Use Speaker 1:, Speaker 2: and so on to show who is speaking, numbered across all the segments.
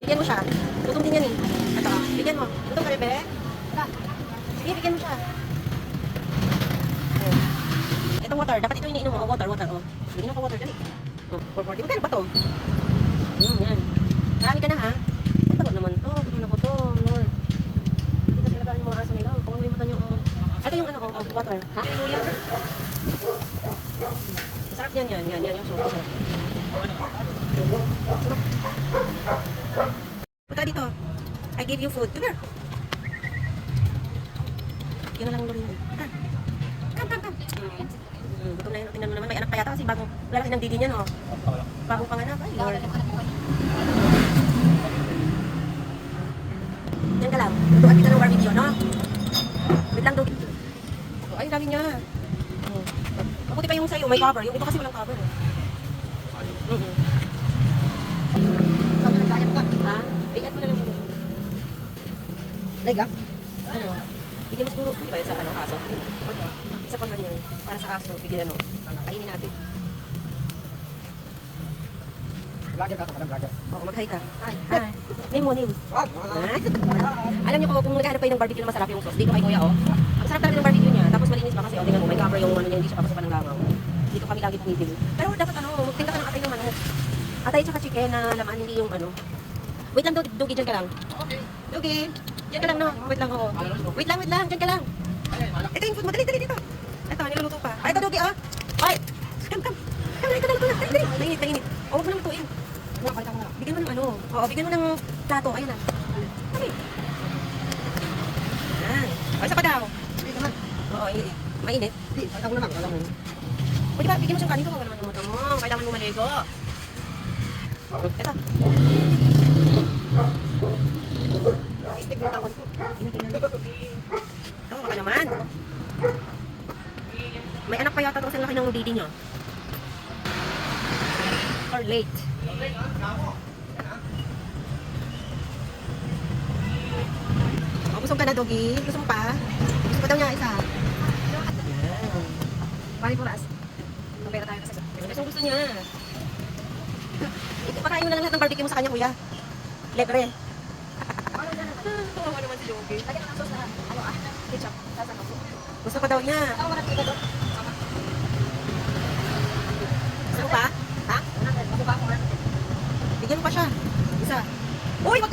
Speaker 1: Bigyan mo siya. Gutom din yan eh. Ito, bigyan mo. Gutom ka rin, be? Sige, bigyan mo siya. Ayan. Itong water, dapat ito iniinom mo. Water. Oh. Iniinom ka water, dali. Oh, 440. Magkano ba to? Yan. Marami ka na ha? Pagod naman to. Pagod na ko to, Lord. Dito talaga yung mga aso nila. Kung ano yung mata nyo. Ito yung ano, water. Ha? Sarap yan. Yan yung sauce. Punta dito. I give you food. Come here. Yun na lang ulo yun. Come. Gutom na yun. Tingnan mo naman. May anak pa yata kasi bagong lalaki ng didi niya, no? Bagong panganak. Ay, Lord. Yan ka lang. Tutuan kita ng barbecue, no? Wait lang, Dogi. Ay, dami niya. Mabuti pa yung sa'yo. May cover. Yung iba kasi walang cover. Ha? Bigat mo na lang muna.
Speaker 2: Lega?
Speaker 1: Ano? Bigyan mo siguro. Di ba yun sa ano, aso? Isa pa man yun. Para sa aso. Bigyan ano. Kainin natin.
Speaker 2: Vlogger ka, vlogger.
Speaker 1: Oo, mag-hi ka. Hi. Name mo, name. Alam niyo kung naghahanap kayo ng barbecue na masarap yung sauce. Dito kay Kuya, oh. Ang sarap talaga ng barbecue niya. Tapos malinis pa kasi, oh. Tingnan mo, may cover yung ano niya. Hindi siya papasukan ng langaw. Dito kami lagi bumibili. Pero dapat ano, magtinda ka ng atay ng manok. Atay tsaka chicken na laman, hindi yung ano. Wait lang, Dugi, dyan ka lang.
Speaker 2: Okay.
Speaker 1: Dugi, dyan ka lang, no? Wait lang, oo. Wait lang, dyan ka lang. Ito yung food mo, dali dito. Ito, niluluto pa. Ay, ito, Dugi, ah. Ay, come. Ito na. Dali. Mainit. O, huwag mo nang lutuin. Bigyan mo ng ano. Oo, bigyan mo ng plato. Ayun na. Dali. Yan. O, isa pa daw. Oo, mainit.
Speaker 2: Alam mo na lang.
Speaker 1: O, diba, bigyan mo siyang kanin ko. Wala naman yung mata mo. Kailangan mo maligo. Ito. Ito, baka naman. May anak pa yata ito kasi ang laki ng didi niya. Or late. Oh, busog ka na, Dogi. Gusto mo pa? Gusto pa daw niya isa. Bali po ras. Kapera tayo kasi. Gusto niya. Pakain mo na lang lahat ng barbecue mo sa kanya, kuya. Libre. Kawawa naman si Dogi. Lagyan mo ng sauce na. Ketchup. Gusto pa daw niya. Gusto mo pa? Ha? Bigyan mo pa siya. Isa. Uy, wag ka!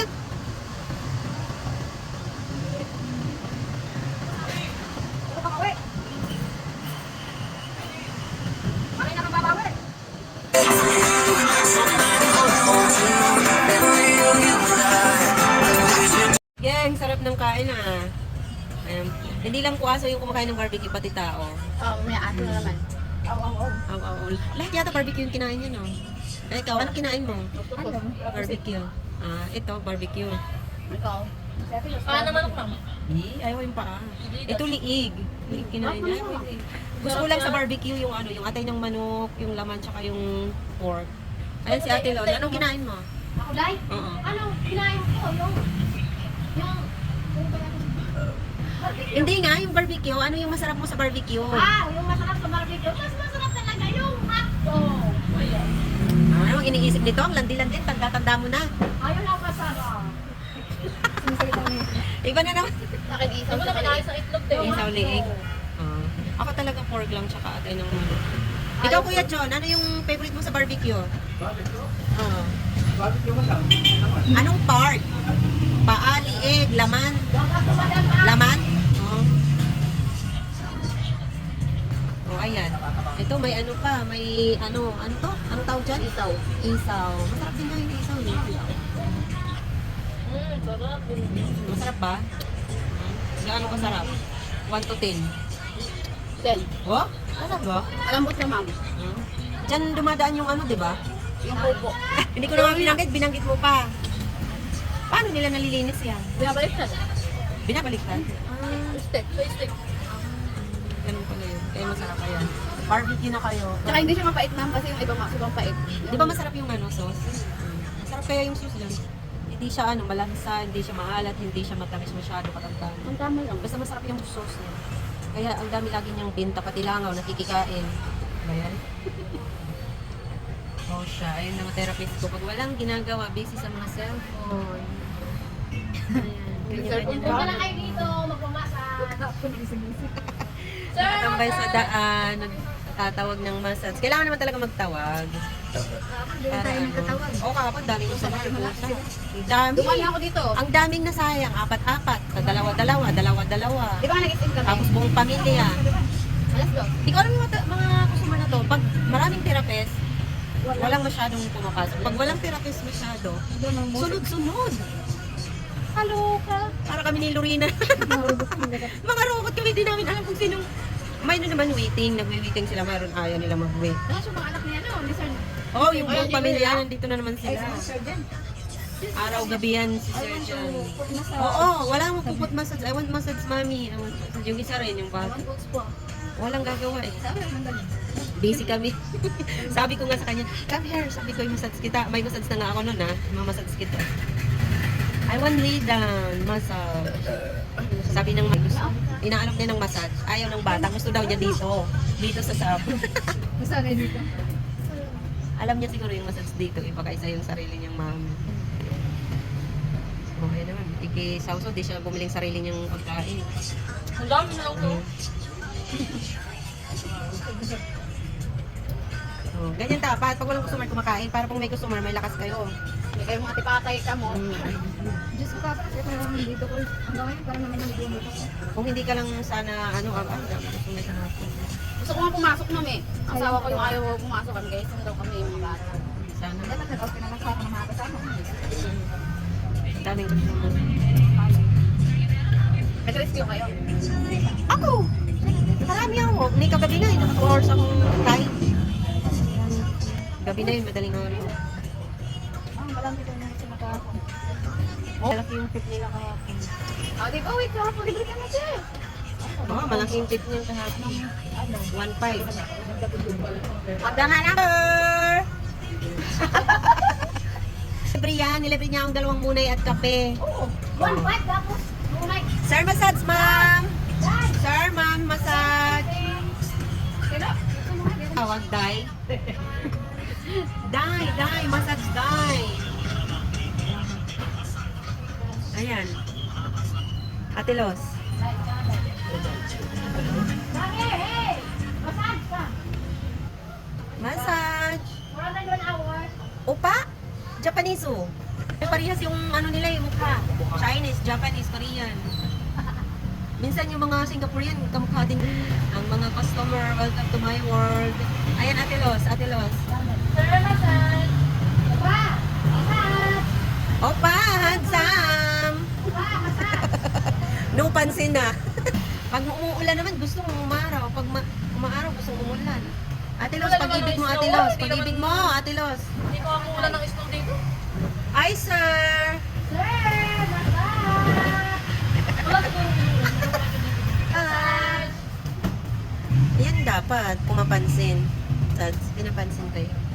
Speaker 1: Gang, sarap ng kain ah. Hindi lang kuwaso yung kumakain ng barbecue, pati tao.
Speaker 2: May ato na naman.
Speaker 1: Aw. Lahat yata barbecue yung kinain niya, no? Eh, ikaw, anong kinain mo? Barbecue. Ito, barbecue.
Speaker 2: Ikaw?
Speaker 3: Naman ako lang.
Speaker 1: Ayaw yung paa. Ito, liig. Liig kinain niya. Gusto ko lang sa barbecue yung ano, yung atay ng manok, yung laman, tsaka yung pork. Ayan si Ate Lola. Anong kinain mo?
Speaker 3: Ako, Day?
Speaker 1: Oo.
Speaker 3: Ano, kinain ko yung
Speaker 1: Hindi nga, yung barbecue. Ano yung masarap mo sa barbecue?
Speaker 3: yung masarap sa barbecue. Mas masarap talaga yung hotdog.
Speaker 1: Ano ang iniisip nito? Ang landi-landi, tanda-tanda mo na.
Speaker 3: Ayun ang masarap.
Speaker 1: Iba na naman.
Speaker 3: Akin isaw. Ano na kinain sa itlog, Day?
Speaker 1: Isaw liig. Ako talaga pork lang, tsaka atay ng manok. Ikaw, Kuya John, ano yung favorite mo sa barbecue? Oo.
Speaker 2: Barbecue mo lang.
Speaker 1: Anong part? Paa, liig, laman? Laman? Oo. Oh, ayan. Ito, may ano pa, may ano to? Anong tawag dyan?
Speaker 3: Isaw.
Speaker 1: Isaw. Masarap din nga yung isaw.
Speaker 3: Sarap.
Speaker 1: Masarap ba? Gaano kasarap? 1 to 10.
Speaker 3: 10.
Speaker 1: Oh? Masarap ba?
Speaker 3: Alambot na, ma'am.
Speaker 1: Diyan dumadaan yung ano, di ba?
Speaker 3: Yung pupo.
Speaker 1: Hindi ko naman binanggit mo pa. Paano nila nalilinis yan?
Speaker 3: Binabalik na.
Speaker 1: Binabaliktad?
Speaker 3: Stick. Stick.
Speaker 1: Ganun pala yun. Kaya masarap yan. Barbecue na kayo.
Speaker 3: Tsaka hindi siya mapait, ma'am, kasi yung ibang pait.
Speaker 1: Di ba masarap yung ano, sauce? Masarap kaya yung sauce lang. Hindi siya ano, malansa, hindi siya maalat, hindi siya matamis masyado katangkan.
Speaker 3: Ang tama lang.
Speaker 1: Basta masarap yung sauce niya. Kaya ang dami lagi niyang binta, pati langaw, nakikikain. Ba yan? trabaho siya. Ayun ang therapist ko. Pag walang ginagawa, busy sa mga cellphone. Ayan.
Speaker 2: Cellphone
Speaker 3: Punta
Speaker 2: ba?
Speaker 3: lang kayo dito, magpamassage. Sir,
Speaker 1: Nakatambay sa daan, nagtatawag ng massage. Kailangan naman talaga magtawag. Para ano. Oo, kapag daming customer. Ang dami.
Speaker 2: Dumali ako dito.
Speaker 1: Ang daming nasayang. Apat-apat. Sa dalawa-dalawa. Dalawa-dalawa.
Speaker 2: Di ba nag-isim kami?
Speaker 1: Tapos buong pamilya.
Speaker 2: Alas 2.
Speaker 1: Hindi ko alam yung mga customer na to. Pag maraming therapist, walang masyadong pumapasok. Pag walang therapist masyado, sunod-sunod. Kaloka. Para kami ni Lorena. Mga robot kami, di namin alam kung sinong... May naman waiting, nagwi-waiting sila, mayroon ayaw nila mag-wait.
Speaker 2: Tapos yung mga anak niya, no? Ni Sir.
Speaker 1: Oh, yung buong pamilya, nandito na naman
Speaker 2: Ay,
Speaker 1: sila.
Speaker 2: si Sir Jen.
Speaker 1: Araw-gabi yan si Surgeon. Oo, wala mo puput massage. I want massage, mami. I want massage. Yung isa rin, yung bata. Walang gagawa eh.
Speaker 2: Sabi, mandali.
Speaker 1: Busy kami. Sabi ko nga sa kanya, come here. Sabi ko, yung massage kita. May massage na nga ako nun ha. Mamassage kita. I want lay down massage. Sabi ng gusto. Inaalok niya ng massage. Ayaw ng bata. Gusto daw niya dito. Dito sa sap.
Speaker 2: Gusto na dito.
Speaker 1: Alam niya siguro yung massage dito. Iba kaysa yung sarili niyang mami. Okay naman. Iki-sauso. Di siya bumiling sarili niyang pagkain.
Speaker 3: ang dami na lang to.
Speaker 1: Oh, ganyan dapat. Pag walang customer kumakain, para pag may customer, may lakas kayo.
Speaker 2: Hindi kayo mga tipakay ka mo.
Speaker 4: Diyos ko kapit ito naman dito ko. Hanggang ngayon parang naman yung dito ko.
Speaker 1: Kung hindi ka lang sana, ano, dami customer sa hapon.
Speaker 2: Gusto ko nga pumasok namin eh. Ang asawa ko yung ayaw pumasok kami. Guys, daw kami yung mga bata.
Speaker 1: Sana.
Speaker 4: Dapat nag-open naman sa mga kasama.
Speaker 1: Daming customer.
Speaker 2: Nag-rescue kayo.
Speaker 1: Ako! Marami ako. Ni kagabi na, naka 2 hours akong time. Gabi na yun, madaling araw.
Speaker 4: Malaki ko na siya nakahapon.
Speaker 1: Malaki yung tip nila kahapon.
Speaker 2: Ah, di ba? Wait, kahapon libre ka na siya.
Speaker 1: Oo, malaki yung tip niya kahapon. 1.5.
Speaker 2: Pagda nga lang.
Speaker 1: Libre yan, nilibre niya akong 2 munay at kape.
Speaker 2: Oo.
Speaker 3: 1.5 tapos, oh my
Speaker 1: Sir, massage, ma'am! Sir, ma'am, massage!
Speaker 2: Kaya,
Speaker 1: Tawag, Dai. Dai, massage, Dai. Ayan. Ate Los.
Speaker 3: Mami, hey! Massage ka!
Speaker 1: Massage.
Speaker 3: 100 hours.
Speaker 1: Opa? Japanese, oh. Parehas yung ano nila, yung mukha. Chinese, Japanese, Korean. Minsan yung mga Singaporean, kamukha din. Ang mga customer, welcome to my world. Ayan, Ate Los, Ate Los.
Speaker 3: Sir, massage. Opa! Massage!
Speaker 1: Opa, handsome!
Speaker 3: Opa, massage!
Speaker 1: No pansin na. Pag umuulan naman, gusto mong umaraw. Pag umaaraw, gusto mong umulan. Ate Los, pag-ibig mo, Ate Los. Pag-ibig mo, Ate Los.
Speaker 3: Hindi ko ako ulan ng snow dito.
Speaker 1: Ay, sir!
Speaker 3: Sir, massage!
Speaker 1: Yan dapat, pumapansin. Pinapansin kayo.